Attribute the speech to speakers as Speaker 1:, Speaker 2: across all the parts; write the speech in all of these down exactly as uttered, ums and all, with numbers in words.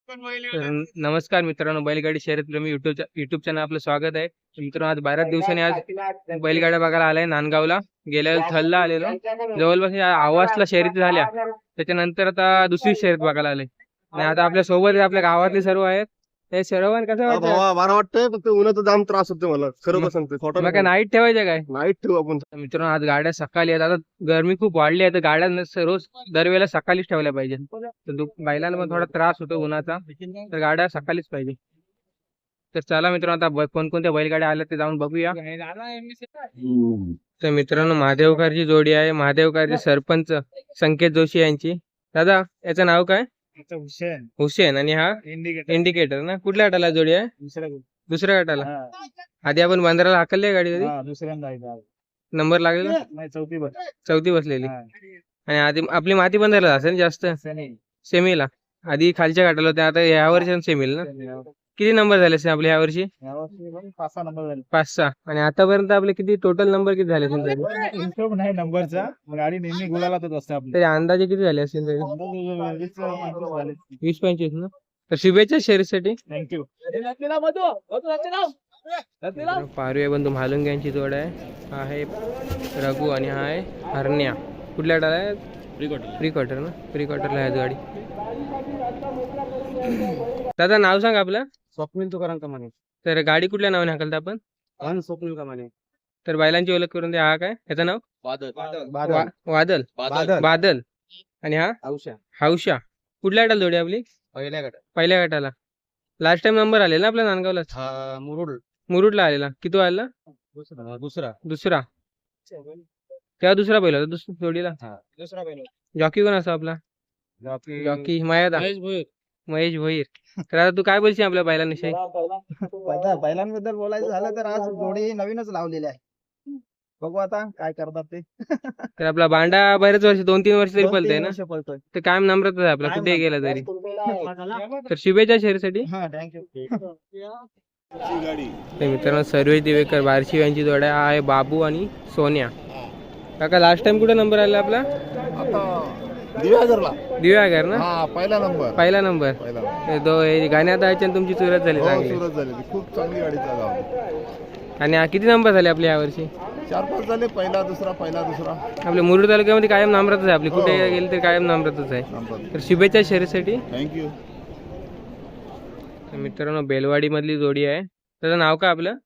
Speaker 1: तर नमस्कार मित्रांनो, बैलगाडी शर्यतप्रेमी युट्यूब युट्यूब चॅनल आपलं स्वागत आहे. मित्रांनो, आज बऱ्याच दिवसांनी आज बैलगाड्या बघायला आलाय नांदगावला. गेल्या वेळेस थलला आलेलो, जवळपास या आवासला शर्यती झाल्या. त्याच्यानंतर आता दुसरी शर्यत बघायला आले आणि आता आपल्या सोबत आहे, आपल्या गावातले सर्व आहेत. हे सर्वांना कसं
Speaker 2: हा
Speaker 1: वाटतं?
Speaker 2: भावा बरं वाटतंय, फक्त उन्हाचा जाम त्रास होतो मला. खरं सांगतोय, खोटं
Speaker 1: मग काय नाईट ठेवायचं काय?
Speaker 2: नाईट ठेवू आपण.
Speaker 1: तर मित्रांनो, आज गाड्या सकाळी आहेत. आता गरमी खूप वाढली आहे, तर गाड्या न- रोज दरवेळेला सकाळीच ठेवल्या पाहिजे. तर दु- बैलांना पण थोडा त्रास होतो उन्हाचा, तर गाड्या सकाळीच पाहिजे. तर चला मित्रांनो, आता ब- कोणकोणत्या बैलगाड्या आल्या ते जाऊन बघूया. तर मित्रांनो, महादेवकरची जोडी आहे. महादेवकरचे सरपंच संकेत जोशी यांची. दादा, याचं नाव काय?
Speaker 3: हुसेन
Speaker 1: हुसेन. आणि हा
Speaker 3: इंडिकेटर
Speaker 1: इंडिकेटर ना? कुठल्या गटाला जोडी आहे?
Speaker 3: दुसऱ्या
Speaker 1: दुसऱ्या गटाला.
Speaker 3: हा,
Speaker 1: आधी आपण बंदराला हाकलली गाडी कधी?
Speaker 3: हा, दुसऱ्यांदा आहे आज.
Speaker 1: नंबर लागलेला?
Speaker 3: नाही चौथी बस
Speaker 1: चौथी बसलेली.
Speaker 3: हा.
Speaker 1: आणि आधी आपली माती बंदरला असेल जास्त
Speaker 3: सनी.
Speaker 1: सेमीला. आधी खालच्या गटाला होत्या, आता या वर्षी सेमीला ना? किती नंबर झाले असेल आपले यावर्षी?
Speaker 3: यावर्षी पण पाच सहा नंबर झाले.
Speaker 1: पाच सहा. आणि आतापर्यंत आपले किती टोटल नंबर किती झाले असेल तरी?
Speaker 3: हिशोब नाही नंबरचा, गाडी नेहमी गुलालातच असते आपली.
Speaker 1: तरी अंदाजे किती झाले असेल तरी?
Speaker 3: वीस पंचवीस झाले.
Speaker 1: वीस पंचवीस ना? तर शुभेच्छा शर्यतीसाठी.
Speaker 3: थँक्यू.
Speaker 1: पारुया बंधू म्हालुंगे यांची जोड आहे. हा आहे रघु आणि हा आहे हरण्या. कुठल्या गटाला आहे? प्री क्वार्टर ना? प्री क्वार्टरला आहे गाडी. दादा, नाव सांग आपलं.
Speaker 2: स्वप्नील तुकाराम कमाने.
Speaker 1: तर गाडी कुठल्या नावाने हाकलता आपण?
Speaker 2: अन स्वप्नील कमाने.
Speaker 1: तर बैलांची ओळख करून द्या. हा काय याचं नाव?
Speaker 2: बादल.
Speaker 1: वा- वादल.
Speaker 2: बादल.
Speaker 1: बादल. आणि हा
Speaker 2: औषा.
Speaker 1: हौशा. कुठल्या गटाला जोडी आपली?
Speaker 2: पहिल्या गटात.
Speaker 1: पहिल्या गटाला. लास्ट टाइम नंबर आलेला ना आपल्या नांदगावला?
Speaker 2: हा मुरुड.
Speaker 1: मुरुडला आलेला. किती आलेला?
Speaker 2: दुसरा दुसरा
Speaker 1: दुसरा. तेव्हा दुसरा बैल होता दुसऱ्या जोडीला.
Speaker 3: दुसरा पहिला.
Speaker 1: जॉकी कोण असा आपला?
Speaker 2: जॉकी
Speaker 1: जॉकी मयादा.
Speaker 3: महेश भोईर.
Speaker 1: महेश भोईर. तर आता तू काय बोलशील आपल्या बैलांविषयी?
Speaker 3: बैला- बैलांबद्दल बोलायचं झालं तर आज जोडी नवीनच लावलेली आहे. बघू आता काय करतात ते.
Speaker 1: तर आपला बांडा बरेच वर्ष दोन तीन वर्ष तरी
Speaker 3: दोन-
Speaker 1: पलतोय
Speaker 3: तीन
Speaker 1: ना?
Speaker 3: वर्ष पळतोय.
Speaker 1: तर कायम नम्रतच आहे आपला,
Speaker 3: कायम
Speaker 1: कुठे गेला तरी.
Speaker 3: नम्रता.
Speaker 1: तर शुभेच्छा शहरीसाठी.
Speaker 3: हा थँक्यू.
Speaker 1: तर मित्रांनो, सर्वेश दिवेकर बारशी यांची जोड आहे. हा आहे बाबू आणि सोन्या. काका, लास्ट टाइम कुठे नंबर आला आपला?
Speaker 2: दिव्यागरला.
Speaker 1: दिव्यागर ना?
Speaker 2: हा पहिला नंबर.
Speaker 1: पहिला नंबर.
Speaker 2: पहिला
Speaker 1: तर दो हे गाण्यात आहे आणि तुमची चुरत झाली चांगली.
Speaker 2: सुरत झाली ती. खूप चांगली गाडी चालवली.
Speaker 1: आणि हा किती नंबर झाले आपल्या यावर्षी?
Speaker 2: चार पाच झाले. पहिला दुसरा पहिला दुसरा
Speaker 1: आपल्या मुरुड तालुक्यामध्ये कायम नामरतच आहे आपली, कुठे गेली तर कायम नामरतच आहे.
Speaker 2: नंबर.
Speaker 1: तर शुभेच्छा शहरीसाठी.
Speaker 2: थँक्यू.
Speaker 1: तर मित्रांनो, बेलवाडी मधली जोडी आहे. त्याचं नाव काय आपलं?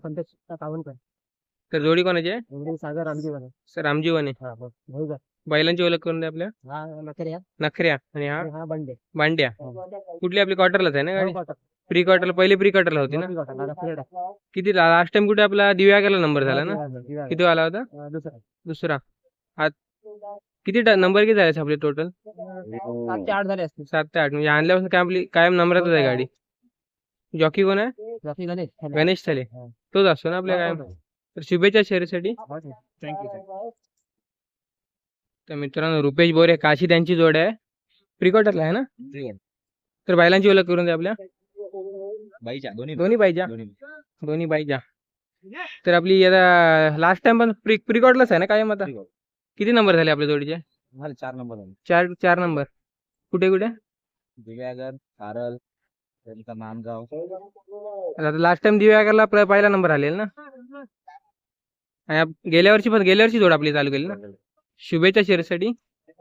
Speaker 1: तर जोडी कोणाची आहे?
Speaker 3: सागर आमची
Speaker 1: सर रामजीवने. बैलांची ओळख करून द्या आपल्या. नखऱ्या. आणि हा
Speaker 3: हा बंडे.
Speaker 1: बांड्या. कुठली आपली क्वार्टरलाच आहे ना गाडी? प्री क्वार्टरला, पहिले प्री क्वार्टरला होती ना? किती लास्ट टाइम कुठे आपला दिव्यागरला नंबर झाला ना? किती आला होता?
Speaker 3: दुसरा.
Speaker 1: दुसरा. आत किती नंबर किती झाले आपले टोटल?
Speaker 3: सात ते आठ झाले असतील.
Speaker 1: सात ते आठ. म्हणजे आणल्यापासून काय आपली कायम नंबरातच आहे गाडी. जॉकी कोण आहे?
Speaker 3: बाकी गणेश.
Speaker 1: गणेश थले. तोच असतो ना आपल्या कायम. तर शुभेच्छा शहरीसाठी.
Speaker 3: थँक्यू.
Speaker 1: तर मित्रांनो, रुपेश बोरे काशी त्यांची जोड आहे. प्री क्वार्टरला आहे ना? तर बैलांची ओळख करून द्या आपल्या. दोन्ही पाहिजे. दोन्ही पाहिजे. तर आपली आता लास्ट टाइम पण प्री प्री क्वार्टरलाच आहे ना कायम आता? किती नंबर झाले आपल्या जोडीचे?
Speaker 3: चार नंबर झाले.
Speaker 1: चार चार नंबर. कुठे कुठे?
Speaker 3: दिव्यागर, कारल, त्यांचा नांदगाव.
Speaker 1: आता लास्ट टाइम दिव्यागरला प- पहिला नंबर आलेला ना? आणि आप- गेल्या वर्षी पण गेल्या वर्षी जोड आपली चालू केली ना? शुभेच्छा शहरीसाठी.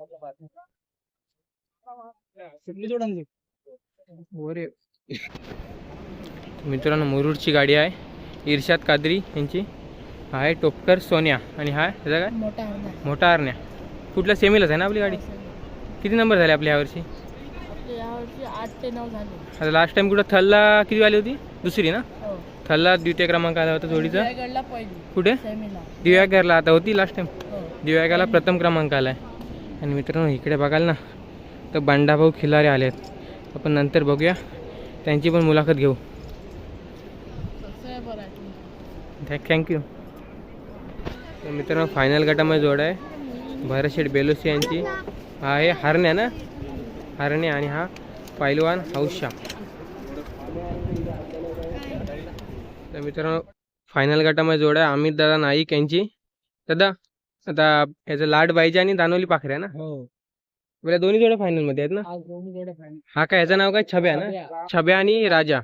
Speaker 1: बोरे. मित्रांनो, मुरुडची गाडी आहे. इर्शाद कादरी यांची. हा आहे टोपकर सोन्या. आणि हा त्याचा काय?
Speaker 4: मोठा अर्धा
Speaker 1: मोठा हरण्या. कुठल्या सेमीलाच आहे ना आपली गाडी? किती नंबर झाले आपल्या यावर्षी?
Speaker 4: आपले यावर्षी आठ ते नऊ झाले.
Speaker 1: आता लास्ट टाइम कुठं थलला किती आली होती? दुसरी ना?
Speaker 4: हो
Speaker 1: थलला द्वितीय क्रमांक आला होता जोडीचा.
Speaker 4: रायगडला पहिली
Speaker 1: कुठे?
Speaker 4: सेमीला.
Speaker 1: दिव्यागरला आता होती लास्ट टाइम.
Speaker 4: हो
Speaker 1: दिव्यागरला प्रथम क्रमांक आला आहे. आणि मित्रांनो, इकडे बघाल ना तर बंडाभाऊ खिलारे आले आहेत. आपण नंतर बघूया, त्यांची पण मुलाखत घेऊ.
Speaker 4: सबस्क्रायबर आहे तुमचा.
Speaker 1: थँक्यू. तर मित्रांनो, फायनल गटामध्ये जोड आहे भरतशेठ बेलोसी यांची. हा आहे हरण्या ना? हरण्या. आणि हा पैलवान हौशा. तर मित्रांनो, फायनल गटामध्ये जोड आहे अमित दादा नाईक यांची. दादा, आता याचं लाड बाईजा आणि दानोली पाखरे ना?
Speaker 3: हो.
Speaker 1: आपल्या दोन्ही जोड्या फायनल मध्ये आहेत ना.
Speaker 4: आज दोन्ही जोड्या final.
Speaker 1: हा काय याचं नाव काय छब्या ना.
Speaker 4: छब्या.
Speaker 1: छब्या आणि राजा.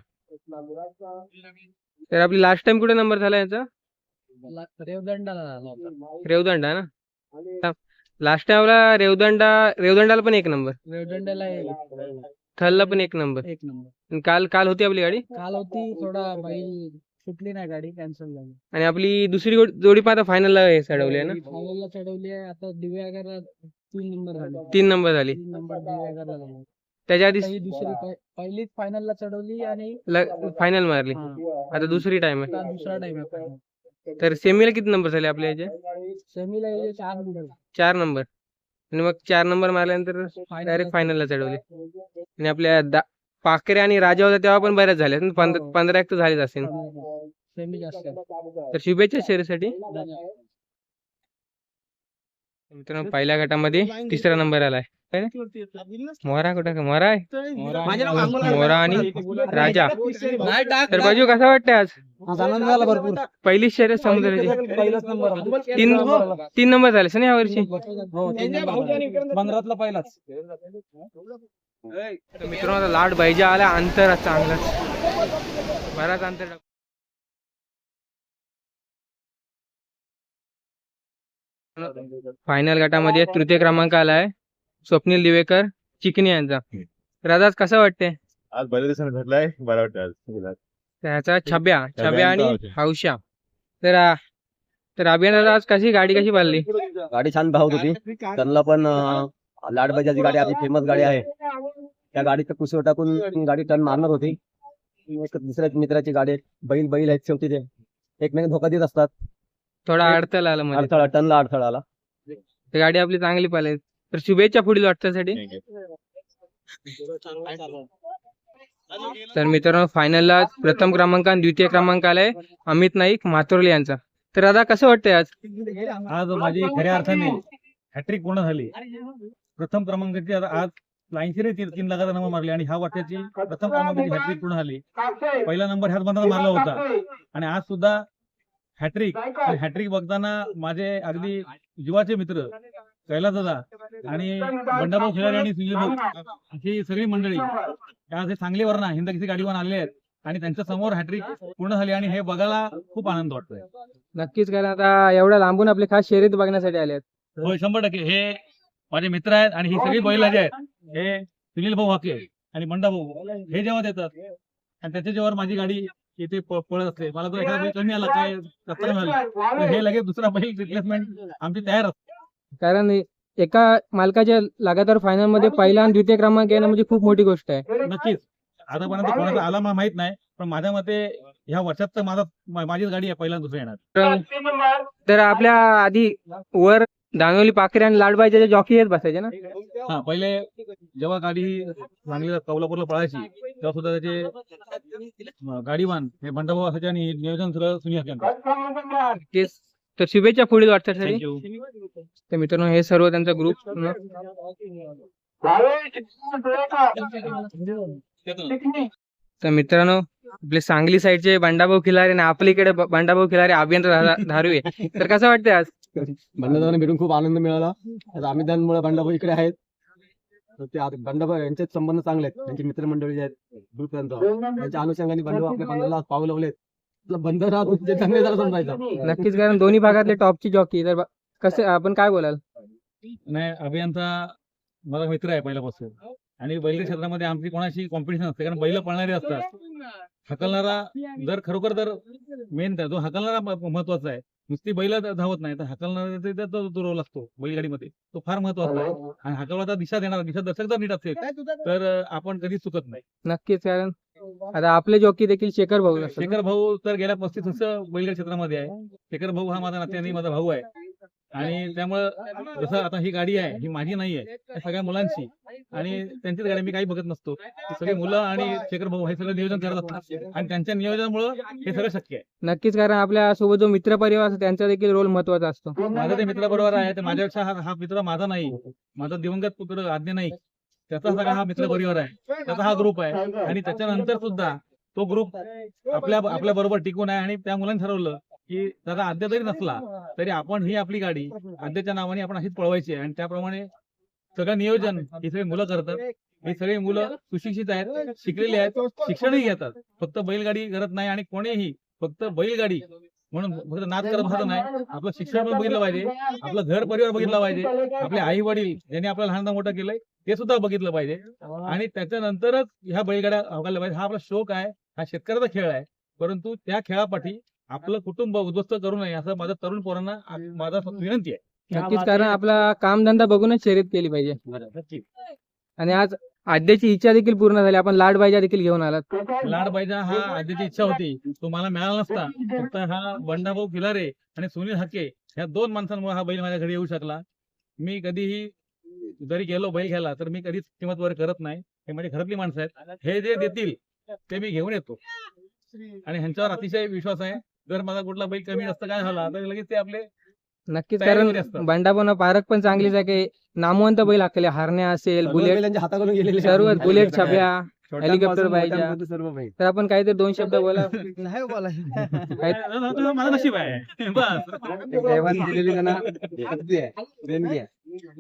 Speaker 1: तर आपली लास्ट टाइम कुठे नंबर झाला याचा.
Speaker 4: ला- रेवदंडाला झाला होता.
Speaker 1: रेवदंडा ना. लास्ट टाइमला रेवदंडा रेवदंडाला पण एक नंबर.
Speaker 4: रेवदंड्याला एक
Speaker 1: थलला पण एक नंबर.
Speaker 4: एक नंबर.
Speaker 1: आणि काल काल होती आपली गाडी.
Speaker 4: काल होती थोडा बैल सुटली नाही गाडी कॅन्सल झाली.
Speaker 1: आणि आपली दुसरी गो- जोडी पण आता फायनलला हे चढवली आहे ना.
Speaker 4: फायनलला चढवली आहे आता दिव्यागरला तीन नंबर झाले.
Speaker 1: तीन नंबर झाली.
Speaker 4: तीन नंबर दिव्यागरला झाले.
Speaker 1: त्याच्या आधी
Speaker 4: आता ही दुसरी पहि- पहिलीच फायनलला चढवली आणि
Speaker 1: फायनल मारली.
Speaker 4: हा,
Speaker 1: आता दुसरी टाइम आहे.
Speaker 4: आता दुसरा टाइम आहे final.
Speaker 1: तर सेमीला किती नंबर झाले आपल्या याचे.
Speaker 4: सेमीला याचे चार नंबर
Speaker 1: चार नंबर. आणि मग चार नंबर मारल्यानंतर डायरेक्ट फायनलला चढवले. आणि आपल्या दा- पाखरे आणि राजा होता तेव्हा पण बऱ्याच झाल्या ना. पंध- पंधरा एक तर झालेच असेल.
Speaker 4: सेमी जास्त आहे.
Speaker 1: तर शुभेच्छा शर्यतीसाठी. मित्रांनो पहिल्या गटामध्ये तिसरा नंबर आलाय. काय रे? मोरा कुठं का मोरा आहे. मोरा आणि राजा. तर बाजू कसा वाटतंय आज.
Speaker 3: आज आनंद झाला भरपूर.
Speaker 1: पहिली शर्यत समुद्राची.
Speaker 3: पहिलाच नंबर
Speaker 1: तीन तीन नंबर झाले ना यावर्षी.
Speaker 3: हो पंधरातला पहिलाच.
Speaker 1: तर मित्रांनो आता लाड बैजा आला अंतर चांगलाच बराच अंतर टाक- फायनल गटामध्ये तृतीय क्रमांक आलाय स्वप्नील दिवेकर चिकनी यांचा. तर आज कसं वाटतंय.
Speaker 2: आज बऱ्याच दिवसांनी भेटलाय, बरं वाटतं आज.
Speaker 1: त्याचा छब्या छब्या आणि
Speaker 2: आणि
Speaker 1: हौशा. तर आ- तर अभियानाला आज कशी गाडी कशी पाळली.
Speaker 5: गाडी छान धावत होती. त्यांना पण अं, लाडबाजाची गाडी आपली फेमस गाडी आहे. त्या गाडीचं कुसव टाकून ती गाडी टर्न मारणार होती. एक दुसऱ्या मित्राची गाडी आहे. बैल बैल आहेत शेवटी ते एकमेक धोका देत असतात.
Speaker 1: थोडा अडथळा आला मध्ये.
Speaker 5: अडथळा टर्नला अडथळा आला.
Speaker 1: तर गाडी आपली चांगली पाळली. तर शुभेच्छा पुढील वाटण्यासाठी. तर मित्रांनो फायनलला प्रथम क्रमांक आणि द्वितीय क्रमांक आलाय अमित नाईक मातुर्ले यांचा. तर दादा कसं वाटतंय आज.
Speaker 6: आज माझी खऱ्या अर्थाने हॅट्रिक पूर्ण झाली. प्रथम क्रमांकाची आता आज लाईनशिरे तीन तीन लाखाचा नंबर मारले आणि ह्या वर्षाची प्रथम क्रमांकाची हॅट्रिक पूर्ण झाली. पहिला नंबर ह्याच बंधाला मारला होता आणि आज सुद्धा हॅट्रिक. हॅट्रिक बघताना माझे अगदी जीवाचे मित्र कैलास दादा आणि बंडाभाऊ खिलारी आणि सुनील भाऊ ही सगळी मंडळी आज हे सांगली वरना हिंद किसी गाडीवर आले आहेत आणि त्यांच्या समोर हॅट्रिक पूर्ण झाली आणि हे बघायला खूप आनंद वाटतोय.
Speaker 1: नक्कीच कारण आता एवढ्या लांबून आपले खास शर्यत बघण्यासाठी आले आहेत.
Speaker 6: होय शंभर टक्के हे माझे मित्र आहेत आणि ही सगळी बैल जे आहेत हे सुनील भाऊ हाके आणि बंडा भाऊ हे जेव्हा देतात आणि त्याच्या जेव्हा माझी गाडी इथे प- पळत असते मला तो एखादा बैल कमी आला काय रस्ता झाला तर हे लगेच दुसरा बैल रिप्लेसमेंट आमची तयार असते.
Speaker 1: कारण एका मालकाच्या लगातार फायनल मध्ये पहिला आणि द्वितीय क्रमांक येणं म्हणजे खूप मोठी गोष्ट आहे.
Speaker 6: नक्कीच आतापर्यंत कोणाचा आला मला माहित नाही पण माझ्या मते ह्या वर्षात तर माझा मा- माझीच गाडी आहे पहिला दुसरा येणार.
Speaker 1: तर- तर आपल्या आधी वर दानोली पाखरे आणि लाडबाईच्या जॉकी येत बसायचे ना.
Speaker 6: हा पहिले जेव्हा गाडी चांगली कोल्हापूरला पळायची तेव्हा सुद्धा त्याचे अं, गाडीवान हे बंडाभाऊ असायचे आणि नियोजन सगळं सुनील हाके यांचं.
Speaker 1: तेच तर शुभेच्छा पुढील वाटण्यासाठी.
Speaker 6: थँक्यू.
Speaker 1: तर मित्रांनो हे सर्व त्यांचा ग्रुप. तर मित्रांनो आपले सांगली साईडचे बंडाभाऊ खिलारे आणि आपलीकडे ब- बंडाभाऊ खिलारे अभियंता धारुवे. तर कसं वाटतंय आज.
Speaker 5: बंडाभाऊने भेटून खूप आनंद मिळाला. आता आम्ही त्यांमुळे बंडाभाऊ इकडे आहेत. तर ते आता बंडाभाऊ यांचे संबंध चांगले आहेत. त्यांची मित्रमंडळी जे आहेत ग्रुप त्यांचा त्यांच्या अनुषंगाने बंडाभाऊ आपल्या बंधाला पाऊल लावलेत. आपलं बंध राहत होते त्यांनी जरा समजायचं.
Speaker 1: नक्कीच कारण दोन्ही भागातले टॉपची जॉकी. तर ब- कसं आपण काय बोलाल.
Speaker 6: नाही अभियंता माझा मित्र आहे पहिल्यापासून आणि बैल क्षेत्रामध्ये आमची कोणाशी कॉम्पिटिशन असते कारण बैल पळणारे असतात. हकलणारा जर खरोखर तर मेन जो हकलणारा म- महत्वाचा आहे. नुसती बैल धावत नाही तर हकलणारा ते- ते- तो रोल असतो बैलगाडीमध्ये तो फार महत्वाचा आहे. आणि हकलवाचा दिशा देणार दिशा दर्शक जर नीट असेल तर अं, आपण कधीच चुकत नाही.
Speaker 1: नक्कीच कारण आता आपले जॉकी देखील शेखर भाऊ असतात.
Speaker 6: शेखर भाऊ तर गेल्या पस्तीस वर्ष बैलगाडी क्षेत्रामध्ये आहे. शेखर भाऊ हा माझा नात्याने माझा भाऊ आहे आणि त्यामुळं जसं आता ही गाडी आहे ही माझी नाही आहे या सगळ्या मुलांची आणि त्यांचीच गाडी मी काही बघत नसतो. ती सगळी मुलं आणि शेखर भाऊ हे सगळं नियोजन करत असतात आणि त्यांच्या नियोजनामुळं हे सगळं शक्य आहे.
Speaker 1: नक्कीच कारण आपल्या सोबत जो मित्र परिवार असतो त्यांचा देखील रोल महत्वाचा असतो.
Speaker 6: माझा ते मित्र बरोबर आहे ते माझ्यापेक्षा हा हा मित्र माझा नाही. माझा दिवंगत पुत्र आज्ञा नाही त्याचा सगळा हा मित्र परिवार आहे. त्याचा हा ग्रुप आहे आणि त्याच्यानंतर सुद्धा तो ग्रुप आपल्या आपल्या बरोबर टिकून आहे आणि त्या मुलांनी ठरवलं की त्याचा आद्य जरी नसला तरी आपण ही आपली गाडी आद्याच्या नावाने आपण अशीच पळवायची आहे आणि त्याप्रमाणे सगळं नियोजन ही सगळी मुलं करतात. ही सगळी मुलं सुशिक्षित आहेत, शिकलेली आहेत, शिक्षणही घेतात. फक्त बैलगाडी करत नाही आणि कोणीही फक्त बैलगाडी म्हणून फक्त नाद करत बसत नाही. आपलं शिक्षण पण बघितलं पाहिजे, आपलं घर परिवार बघितलं पाहिजे, आपले आई वडील ज्यांनी आपल्याला लहान मोठं केलंय ते सुद्धा बघितलं पाहिजे आणि त्याच्यानंतरच ह्या बैलगाड्या अवघायला पाहिजे. हा आपला शौक आहे, हा शेतकऱ्याचा खेळ आहे, परंतु त्या खेळापाठी आपलं कुटुंब उद्ध्वस्त करू नये असं माझं तरुण पोरांना माझा विनंती आहे.
Speaker 1: नक्कीच, कारण आपला कामधंदा बघूनच शर्यत केली पाहिजे. आणि आज आद्याची इच्छा देखील पूर्ण झाली, आपण लाडबाईजा देखील घेऊन आलात.
Speaker 6: लाडबाईजा हा आधीची इच्छा होती, तो मला मिळाला नसता. फक्त हा बंडाभाऊ खिलारे आणि सुनील हाके ह्या दोन माणसांमुळे हा बैल माझ्या घरी येऊ शकला. मी कधीही जरी गेलो बैल घ्यायला तर मी कधीच किंमत वगैरे करत नाही. हे माझी घरातली माणसं आहेत, हे जे देतील ते मी घेऊन येतो आणि ह्यांच्यावर अतिशय विश्वास आहे. जर माझा कुठला बैल कमी जास्त काय झाला तर लगेच ते आपले
Speaker 1: नक्कीच,
Speaker 6: तयारीमध्ये
Speaker 1: कारण
Speaker 6: असतात.
Speaker 1: बंडापण पारख पण चांगलीच आहे की नामवंत बैल हाकले, हारण्या असेल,
Speaker 5: सर्व
Speaker 1: बुलेट,
Speaker 5: बैल यांच्या हाताकडून गेलेले आहेत.
Speaker 1: सर्व बुलेट, छाप्या,
Speaker 5: छोट्यांपासून
Speaker 1: हेलिकॉप्टर पाहिजे.
Speaker 5: मोठ्यांपर्यंत सर्व बैल.
Speaker 1: तर आपण काहीतरी दोन शब्द बोला.
Speaker 3: नाही बोलायचं.
Speaker 1: काही-
Speaker 6: माझं नशीब आहे बस.
Speaker 5: देवाने दिलेली त्यांना शक्ती आहे, देणगी आहे.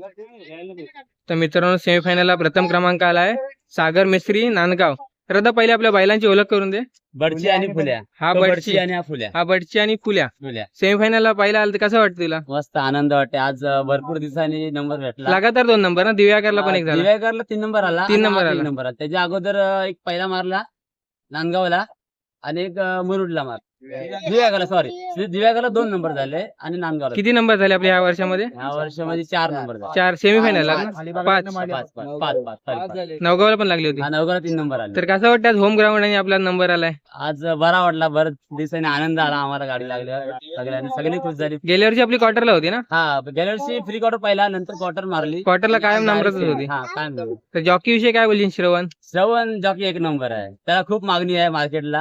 Speaker 1: तर मित्रांनो, सेमीफायनलला प्रथम क्रमांक आलाय सागर मिस्त्री, नांदगाव. तर आता पहिले आपल्या बैलांची ओळख करून दे.
Speaker 7: बडची आणि फुल्या
Speaker 1: हा
Speaker 7: तो
Speaker 1: बडची
Speaker 7: बडची आणि हा फुल्या
Speaker 1: हा बडची आणि फुल्या.
Speaker 7: फुल्या
Speaker 1: सेमीफायनलला पहिला आला तर कसं वाटतं तुला?
Speaker 7: मस्त आनंद वाटते. आज अं, भरपूर दिवसांनी नंबर भेटला.
Speaker 1: लगातार दोन नंबर ना, दिव्याकरला पण एक झाला.
Speaker 7: दिव्याकरला तीन नंबर आला
Speaker 1: तीन
Speaker 7: आणि
Speaker 1: नंबर
Speaker 7: हा
Speaker 1: आला.
Speaker 7: नंबर आला. त्याच्या अगोदर अं, एक पहिला मारला नांदगावला आणि एक अं, मुरुडला मार दिव्याकरला सॉरी दिव्याकरला दोन नंबर झाले आणि नांदगावला
Speaker 1: किती नंबर झाले आपल्या या वर्षामध्ये?
Speaker 7: ह्या वर्षामध्ये चार नंबर झाले.
Speaker 1: चार सेमीफायनल
Speaker 7: पाच.
Speaker 1: पाच.
Speaker 7: पाच पाच पाच पाच पाच पाच.
Speaker 1: नवगावला पण लागली होती.
Speaker 7: हा नवगावला तीन नंबर आले.
Speaker 1: तर कसं वाटतं आज होम ग्राउंड आणि आपला नंबर आलाय?
Speaker 7: आज अं, बरा वाटला. बरेच दिवसांनी आनंद आला आम्हाला गाडी लागल्या सगळ्यांनी सगळी खुश झाली.
Speaker 1: गेल्या वर्षी आपली क्वार्टरला होती ना?
Speaker 7: हा गेल्या वर्षी फ्री क्वार्टर पहिला नंतर क्वार्टर मारली.
Speaker 1: क्वार्टरला कायम नंबरच होती.
Speaker 7: हा कायम नंबर.
Speaker 1: तर जॉकी विषयी काय बोलशील श्रवण?
Speaker 7: श्रवण जॉकी एक नंबर आहे. त्याला खूप मागणी आहे मार्केटला.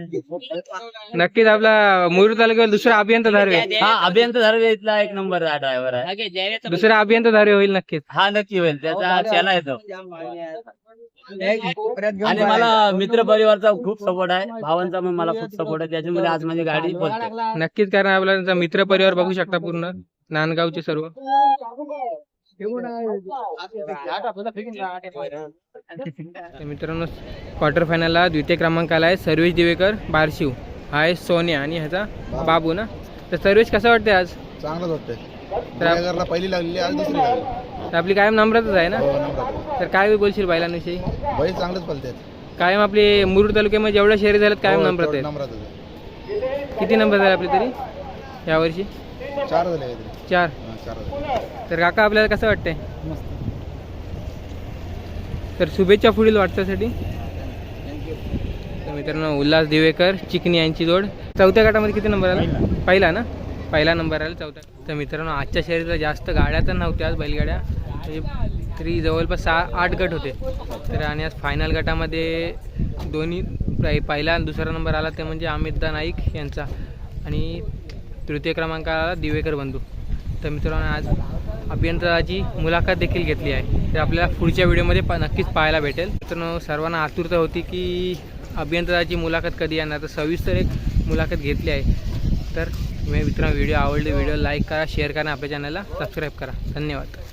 Speaker 1: नक्कीच आपला मुरुड तालुक्यावर दुसरा अभियंता धारवे,
Speaker 7: हा अभियंता धर्वे इथला एक नंबर हा ड्रायव्हर आहे.
Speaker 1: दुसरा अभियंता धारवे होईल नक्कीच.
Speaker 7: हा नक्की होईल. त्याचा चेला येतो. आणि मला मित्र परिवारचा खूप सपोर्ट आहे. भावांचा पण मला खूप सपोर्ट आहे. त्याच्यामुळे आज माझी गाडी बोलते.
Speaker 1: नक्कीच, कारण आपला त्यांचा मित्र परिवार बघू शकता पूर्ण नांदगावचे सर्व. तर मित्रांनो, क्वार्टर फायनलला द्वितीय क्रमांकाला आहे सर्वेश दिवेकर बारशिव, हा आहे सोन्या आणि ह्याचा बाबू ना. तर सर्वेश कसं वाटते आज?
Speaker 3: चांगलंच वाटतंय.
Speaker 1: तर आप-
Speaker 3: दिव्याकरला पहिली लागलेली, आज दुसरी लागली.
Speaker 1: तर आपली कायम नम्रतच आहे ना.
Speaker 3: हो, नंबर.
Speaker 1: तर काय बोलशील बैलांविषयी?
Speaker 3: बैल चांगलेच पलतात.
Speaker 1: कायम आपली मुरुड तालुक्यामध्ये जेवढ्या शहरी झाल्यात कायम
Speaker 3: हो,
Speaker 1: नम्रत
Speaker 3: तेवढं
Speaker 1: आहेत.
Speaker 3: नंबरातच आहे.
Speaker 1: किती नंबर झाले आपले तरी यावर्षी?
Speaker 3: चार झाले काहीतरी.
Speaker 1: चार.
Speaker 3: हा, चार झाले.
Speaker 1: तर काका आपल्याला कसं वाटतंय? तर शुभेच्छा पुढील वाटचासाठी. तर मित्रांनो, उल्हास दिवेकर चिकनी यांची जोड चौथ्या गटामध्ये किती नंबर आला? पहिला ना, पहिला नंबर आला चौथ्या. तर मित्रांनो, आजच्या शर्यतीला जास्त गाड्या तर नव्हत्या आज बैलगाड्या, म्हणजे तरी जवळपास सहा आठ गट होते. तर आणि आज फायनल गटामध्ये दोन्ही पहि- पहिला आणि दुसरा नंबर आला ते म्हणजे अमितदा नाईक यांचा आणि तृतीय क्रमांकाला दिवेकर बंधू. तर मित्रांनो, आज अभियंताची मुलाखत देखील घेतली आहे. ते आपल्याला पुढच्या व्हिडिओमध्ये पा नक्कीच पाहायला भेटेल. मित्रांनो, सर्वांना आतुरता होती की अभियंताची मुलाखत कधी येणार, तर सविस्तर एक मुलाखत घेतली आहे. तर मित्रांनो, व्हिडिओ आवडले व्हिडिओ लाईक करा, शेअर करा, आपल्या चॅनलला सबस्क्राईब करा. धन्यवाद.